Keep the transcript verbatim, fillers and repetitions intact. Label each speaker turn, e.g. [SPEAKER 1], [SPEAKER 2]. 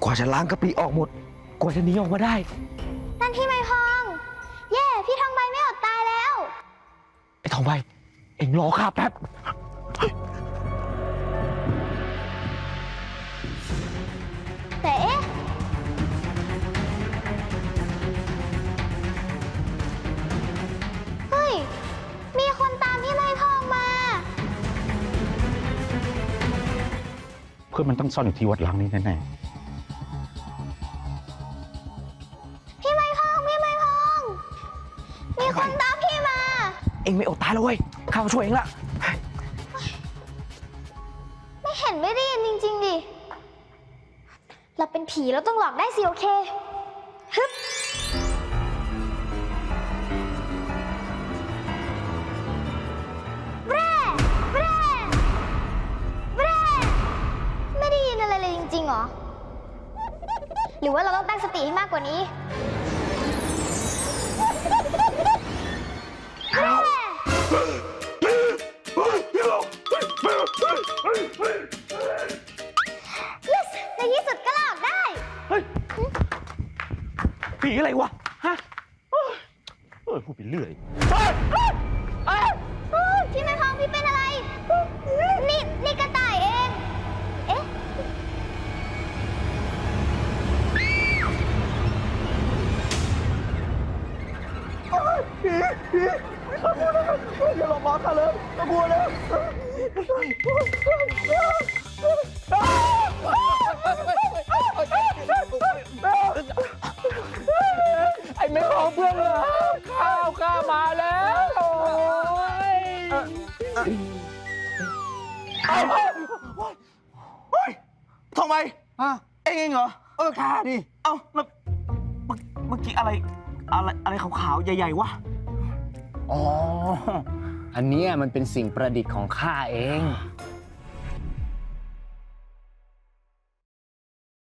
[SPEAKER 1] ว่าจะล้างกะปิออกหมดกว่าจะหนีออกมาได้
[SPEAKER 2] นั่นพี่ไม้พองเย่พี่ทองใบไม่อดตายแล้ว
[SPEAKER 1] ไอ้ทองใบเอ็งรอข้าแป๊บ
[SPEAKER 2] แต่เอ๊ะเฮ้ยมีคนตามพี่ไม้พองมา
[SPEAKER 3] เพื่อนมันต้องซ่อนอยู่ที่วัดล้างนี้แน่ๆ
[SPEAKER 2] พี่ไม้พองพี่ไม้พองมีคนตามพี่มา
[SPEAKER 1] เอ็งไม่อดตายแล้วเว้ยข้ามาช่วยเอ็งละ
[SPEAKER 2] ไม่เห็นไม่ได้ยินจริงๆดิเราเป็นผีเราต้องหลอกได้สิโอเคฮึบแร่แร่แร่ไม่ได้ยินอะไรเลยจริงๆหรอหรือว่าเราต้องตั้งสติให้มากกว่านี้แร่yes ในที่สุดก็หลอกได้
[SPEAKER 1] เฮ้ยผีอะไรวะฮะเออพูดไปเรื่อย
[SPEAKER 2] พี่ไม้พองพี่เป็นอะไรนี่นี่กระต่ายเองเอ๊ะ
[SPEAKER 1] ผีผีข้ากลัวนะอย่าหลอกล้อข้าเลยข้ากลัวนะไอ้แม่ของเพื่อนเหรอข้าวข้ามาแล้วโอ้ยเฮ้ยทำไมเอ็งเองเหรอเออข้าดิเอ้าแล้วเมื่อกี้อะไรอะไรอะไรขาวๆใหญ่ๆวะ
[SPEAKER 4] อ๋อ อันนี้มันเป็นสิ่งประดิษฐ์ของข้าเอง